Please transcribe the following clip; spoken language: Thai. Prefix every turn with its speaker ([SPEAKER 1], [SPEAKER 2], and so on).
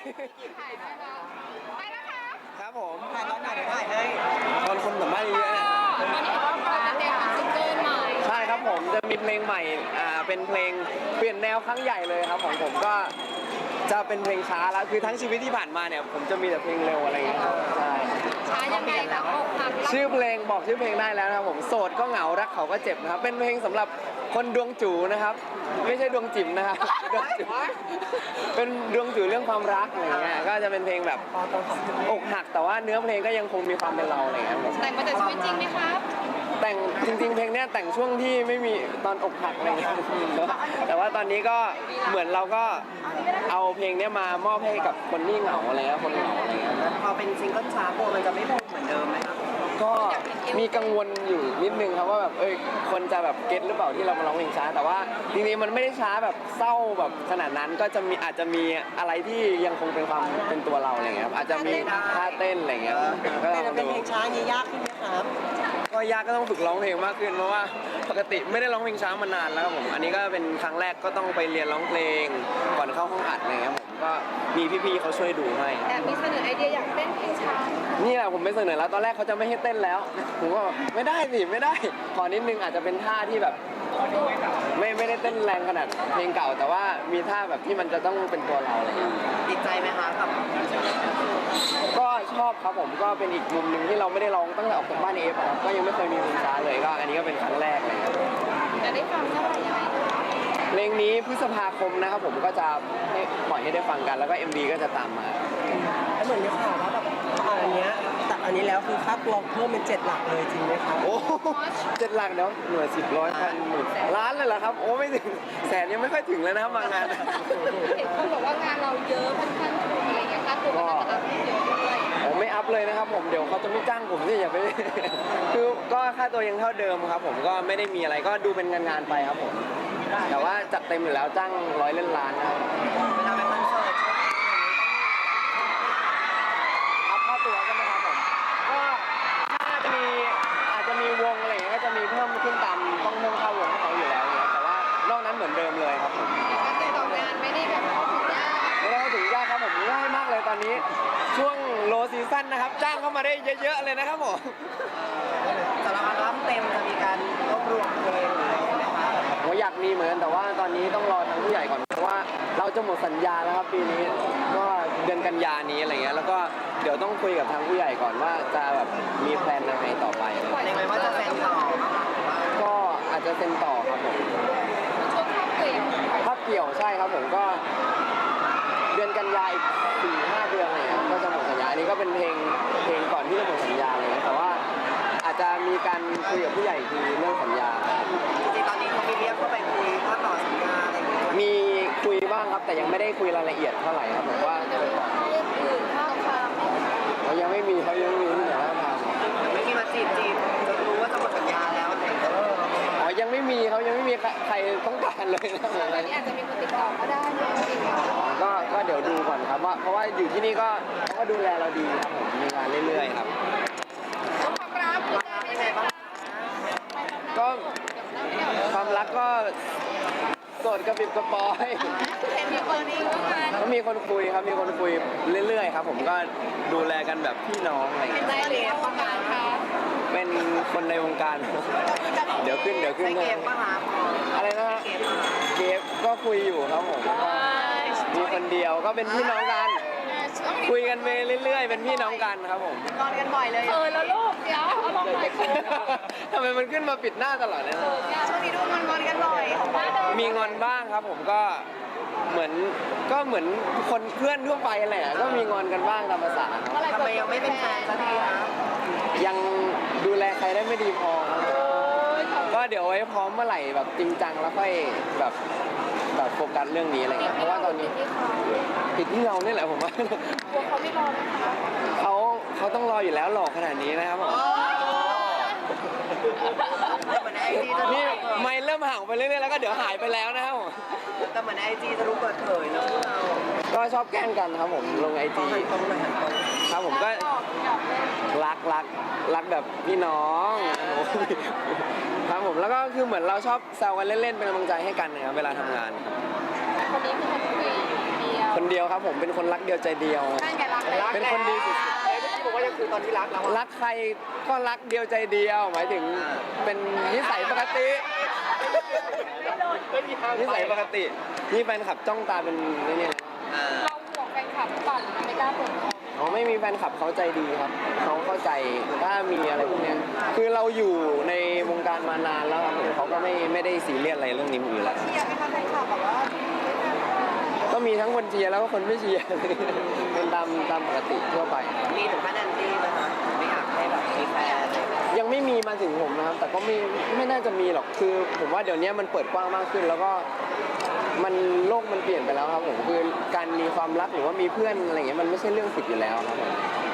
[SPEAKER 1] ถ่ายให้เราไปแล้วค่ะ
[SPEAKER 2] ครับผม
[SPEAKER 3] ถ่ายตอนไหนถ่ายให้
[SPEAKER 2] ตอนคนสัมภาษณ์เยอะๆเนี่ย
[SPEAKER 1] ตอนนี้ก็ฟ้าเด็กซิงเกิลใหม่
[SPEAKER 2] ใช่ครับผมจะมีเพลงใหม่เป็นเพลงเปลี่ยนแนวครั้งใหญ่เลยครับของผมก็จะเป็นเพลงช้าแล้วคือทั้งชีวิตที่ผ่านมาเนี่ยผมจะมีแต่เพลงเร็วอะไรอย่างเงี้ยครับใช่
[SPEAKER 1] ช้ายังไงแล้วก็พัก
[SPEAKER 2] ชื่อเพลงบอกชื่อเพลงได้แล้วนะครับผมโสดก็เหงารักเขาก็เจ็บนะครับเป็นเพลงสำหรับคนดวงจูนะครับไม่ใช่ดวงจิ๋มนะครับดวงจูเป็นดวงจูเรื่องความรักอะไรเงี้ยก็จะเป็นเพลงแบบอกหักแต่ว่าเนื้อเพลงก็ยังคงมีความเป็นเราอะไรเงี้ยครับ
[SPEAKER 1] แต่งมาจากชีวิตจริงไหมครับ
[SPEAKER 2] แต่งจริงๆเพลงเนี้ยแต่งช่วงที่ไม่มีตอนอกหักอะไรเงี้ยแต่ว่าตอนนี้ก็เหมือนเราก็เอาเพลงเนี้ยมามอบให้กับคนที่เหงาอะไรเงี้ยคนเหงาอะไรเงี้ย
[SPEAKER 3] พอเป็นซิงเกิลช้าโบมันจะไม่บูมเหมือนเดิมไหมครับ
[SPEAKER 2] ก็มีกังวลอยู่นิดนึงครับว่าแบบคนจะแบบเก็ตหรือเปล่าที่เรามาร้องเพลงช้าแต่ว่าจริงๆมันไม่ได้ช้าแบบเศร้าแบบขนาดนั้นก็จะมีอาจจะมีอะไรที่ยังคงเป็นความเป็นตัวเราอะไรเงี้ยครับอาจจะมีท่าเต้นอะไรเงี้ยก็ลอง
[SPEAKER 3] เป็น
[SPEAKER 2] ดู
[SPEAKER 3] เพลงช้านี้ยากขึ้นไหมครับ
[SPEAKER 2] ก็ยากก็ต้องฝึกร้องเพลงมากขึ้นเพราะว่าปกติไม่ได้ร้องเพลงช้ามานานแล้วครับผมอันนี้ก็เป็นครั้งแรกก็ต้องไปเรียนร้องเพลงก่อนเข้าห้องอัดอะไรเงี้ยผมก็มีพี่ๆเขาช่วยดูให้
[SPEAKER 1] แต่มีเสนอไอเดียอยากเต้นเพลงช้า
[SPEAKER 2] นี่แหละผมไปเสนอแล้วตอนแรกเขาจะไม่ให้เต้นแล้วผมก็บอกไม่ได้สิไม่ได้ขอนิดนึงอาจจะเป็นท่าที่แบบไม่ได้เต้นแรงขนาดเพลงเก่า แต่ว่ามีท่าแบบที่มันจะต้องเป็นตัวเราอะไรอย่างเงี้ย
[SPEAKER 3] ติดใจไหมคะกับ
[SPEAKER 2] ก็ชอบครับผมก็เป็นอีกมุมหนึ่งที่เราไม่ได้ร้องตั้งแต่ออกจากบ้านเอฟครับก็ยังไม่เคยมีเพลงช้าเลยก็อันนี้ก็เป็นครั้งแรกเลยครับ
[SPEAKER 1] จะได้ฟังเมื่อไหร่ยังไงคะ
[SPEAKER 2] เพลงนี้พฤษภาคมนะครับผมก็จะให้ปล่อยให้ได้ฟังกันแล้วก็ MV ก็จะตามมา
[SPEAKER 3] แล้วเหมือนมีข่าวว่าแบบอันเนี้ยแต่อันนี้แล้วคือค่าตัวเพิ่มเป็น7 หลักเลยจริงไหมครับ
[SPEAKER 2] โอ้7 หลักเดี๋ยวหน่วย10ร้อยพันหมื่นล้านเลยเหรอครับโอ้ไม่ถึงแสนยังไม่ค่อยถึงเลยนะครับบางงาน
[SPEAKER 1] เห็นคนบอกว่างานเราเยอะค่อนข้างถูกอะไรเงี้ยค่าตัวก็น่าจะรับเยอะด้วย
[SPEAKER 2] ผมไม่อัพเลยนะครับผมเดี๋ยวเขาจะไม่จ้างผมที่อย่าไป คือก็ค่าตัวยังเท่าเดิมครับผมก็ไม่ได้มีอะไรก็ดูเป็นงานๆไปครับผมแต่ว่าจัดเต็มอยู่แล้วจ้าง100 เล่นล้านนะครับ
[SPEAKER 3] เวลาไปคอนเสิร์ต
[SPEAKER 2] อัพค่าตัวใช่ไหมครับผมก็น่าจะมีอาจจะมีวงอะไรอย่างเงี้ยก็จะมีเพิ่มขึ้นตามต้องเพิ่มค่าวงให้เขาอยู่แล้วเนี่ยแต่ว่านอกนั้นเหมือนเดิมเลยครับผม
[SPEAKER 1] การติดต่องานไม่ได้แบบเข้าถึงยาก
[SPEAKER 2] ไม่ได้เข้าถึงยากครับผมง่ายมากเลยตอนนี้ช่วงโลซีซั่นนะครับจ้างเข้ามาได้เยอะๆเลยนะครับผม
[SPEAKER 3] สำหรับอัลบั้มเต็มจะมีการรวบรวมเพลงหรืออะไรไหมคะ
[SPEAKER 2] ผมอยากมีเหมือนกันแต่ว่าตอนนี้ต้องรอทางผู้ใหญ่ก่อนเพราะว่าเราจะหมดสัญญาแล้วครับปีนี้ก็เดือนกันยานี้อะไรเงี้ยแล้วก็เดี๋ยวต้องคุยกับทางผู้ใหญ่ก่อนว่าจะแบบมีแพลนยังไงต่อไปอะไร
[SPEAKER 3] ใน
[SPEAKER 2] เงี้ย
[SPEAKER 3] ไหมว่าจะเซ็นต่อ
[SPEAKER 2] ก็อาจจะเซ็นต่อครับผม
[SPEAKER 1] ช่วงข้าวเกลียว
[SPEAKER 2] ถ้าเกี่ยวใช่ครับผมก็เดือนกันยาอีก4-5 เดือนอะไรเงี้ยก็จะหมดสัญญาอันนี้ก็เป็นเพลงก่อนที่จะหมดสัญญาเลยแต่ว่าอาจจะมีการคุยกับผู้ใหญ่อีกทีเรื่องสัญญา
[SPEAKER 3] จริงๆตอนนี้เขามีเรียกเข้าไปคุยว่าต่อสัญญาอะไรอย่างเงี้ย
[SPEAKER 2] มีคุยบ้างครับแต่ยังไม่ได้คุยรายละเอียดเท่าไหร่ครับผมว่าจะไปต่อ
[SPEAKER 1] เรื่องอื่นข้าวฟาร์ม
[SPEAKER 2] เขายังไม่มีที่ไหนว่าท
[SPEAKER 3] ไม่มีมาจีบจะรู้ว่าจะหมดสัญญาแล้วอะไรอย่างเงี้ย
[SPEAKER 2] ำอ๋อยังไม่มีเขายังไม่มีใครต้องการเลยนะ
[SPEAKER 1] ตอนนี้อาจจะมีคนติดต่อก็ได้นะจริงๆ
[SPEAKER 2] ก็เดี๋ยวดูก่อนครับว่าเพราะว่าอยู่ที่นี่ก็เขาก็ดูแลเราดีครับผมมีงานเรื่อยๆครับ
[SPEAKER 1] ความรักเป็นยังไงบ้าง
[SPEAKER 2] ก็ความรักก็โสดกระปิบกระปอย
[SPEAKER 1] เห็นมีคนนี้ก็มา
[SPEAKER 2] ก็มีคนคุยครับมีคนคุยเรื่อยๆครับผมก็ดูแลกันแบบพี่น้องอะไรอย่าง
[SPEAKER 1] เป็น
[SPEAKER 2] เงี้ย
[SPEAKER 1] ใจเหรียญประมาณค่ะ
[SPEAKER 2] เป็นคนในวงการ เดี๋ยวขึ้น
[SPEAKER 3] ใช้เกมปะคะ
[SPEAKER 2] อะไรนะฮะ
[SPEAKER 3] เกมปะคะ
[SPEAKER 2] เกฟก็คุยอยู่ครับผมก็มีคนเดียวก็เป็นพี่น้องกัน คุยกันไปเรื่อยๆ เป็นพี่น้องกันครับผม
[SPEAKER 3] งอนกันบ่อยเลย
[SPEAKER 1] แล้วลูกเดี๋ยวเอาลงหน่อยคือ
[SPEAKER 2] ทำไมมันขึ้นมาปิดหน้าตลอดเลยนะ
[SPEAKER 3] ช่วงนี้ดูงอนกันบ่อย
[SPEAKER 2] มีงอนบ้างครับผมก็เหมือนคนเพื่อนทั่วไปแหละก็มีงอนกันบ้างตามภาษาครับ
[SPEAKER 3] ทำไมยังไม่เป็นแฟนสักทีคะ
[SPEAKER 2] ยังดูแลใครได้ไม่ดีพอครับก็เดี๋ยวไว้พร้อมเมื่อไหร่แบบจริงจังแล้วค่อยแบบโฟกัสเรื่องนี้อะไรเงี้ยเพราะว่าตอนนี้ผิดที่เราเนี่ยแหละผมว่า
[SPEAKER 1] กลัวเขาไม่รอนะคะ
[SPEAKER 2] เขาต้องรออยู่แล้วหล่อขนาดนี้นะครับผม
[SPEAKER 3] เหมือนไอจีจะรู้
[SPEAKER 2] นี่ไม่เริ่มห่างไปเรื่อยๆแล้วก็เดี๋ยวหายไปแล้วนะครับผม
[SPEAKER 3] แต่เหมือนไอจีจะรู้เปิดเผยนะพวกเรา
[SPEAKER 2] ก็ชอบแกล้งกันครับผมลงไอจี
[SPEAKER 3] ตรงไหนตรง
[SPEAKER 2] ครับผมก็
[SPEAKER 1] หยอกเล่น
[SPEAKER 2] รักแบบพี่น้องครับผมแล้วก็คือเหมือนเราชอบแซวกันเล่นๆเป็นกำลังใจให้กันนะครับเวลาทำงานครับ
[SPEAKER 1] คนนี้คือคนคุยเดียว
[SPEAKER 2] คนเดียวครับผมเป็นคนรักเดียวใจเดียว
[SPEAKER 1] นั่นไงรักแล้ว
[SPEAKER 2] เป็นคนดีสุด
[SPEAKER 3] เมื่อกี้บอกว่ายังคือตอนที่รักแล้ว
[SPEAKER 2] รักใครก็รักเดียวใจเดียว หมายถึงเป็นนิสัยปกตินิสัยปกตินี่แฟนคลับจ้องตาเป็นนี่เนี่ย
[SPEAKER 1] เราห่วงแฟนคลับหรือเปล่าหรือไม่กล้าเปิดเผย
[SPEAKER 2] เขาไม่มีแฟนคลับเขาใจดีครับเขาเข้าใจถ้ามีอะไรพวกเนี้ยคือเราอยู่ในวงการมานานแล้วครับผมเขาก็ไม่ได้ซีเรียสอะไรเรื่องนี้อยู่แล้ว
[SPEAKER 1] เชียร์ไหมคะแฟนคลับแบบว่า
[SPEAKER 2] ก็มีทั้งคนเชียร์แล้วก็คนไม่เชียร์ เป็นตามปกติทั่วไป
[SPEAKER 3] มีถึงขั้นแอนตี้ไหมคะไม่อยากให้แบบมีแฟน
[SPEAKER 2] ยังไม่มีมาถึงผมนะครับ แต่ก็ไม่น่าจะมีหรอกคือผมว่าเดี๋ยวนี้มันเปิดกว้างมากขึ้น แล้วก็โลกมันเปลี่ยนไปแล้วครับผมคือการมีความรักหรือว่ามีเพื่อนอะไรอย่างเงี้ยมันไม่ใช่เรื่องผิดอยู่แล้วครับผม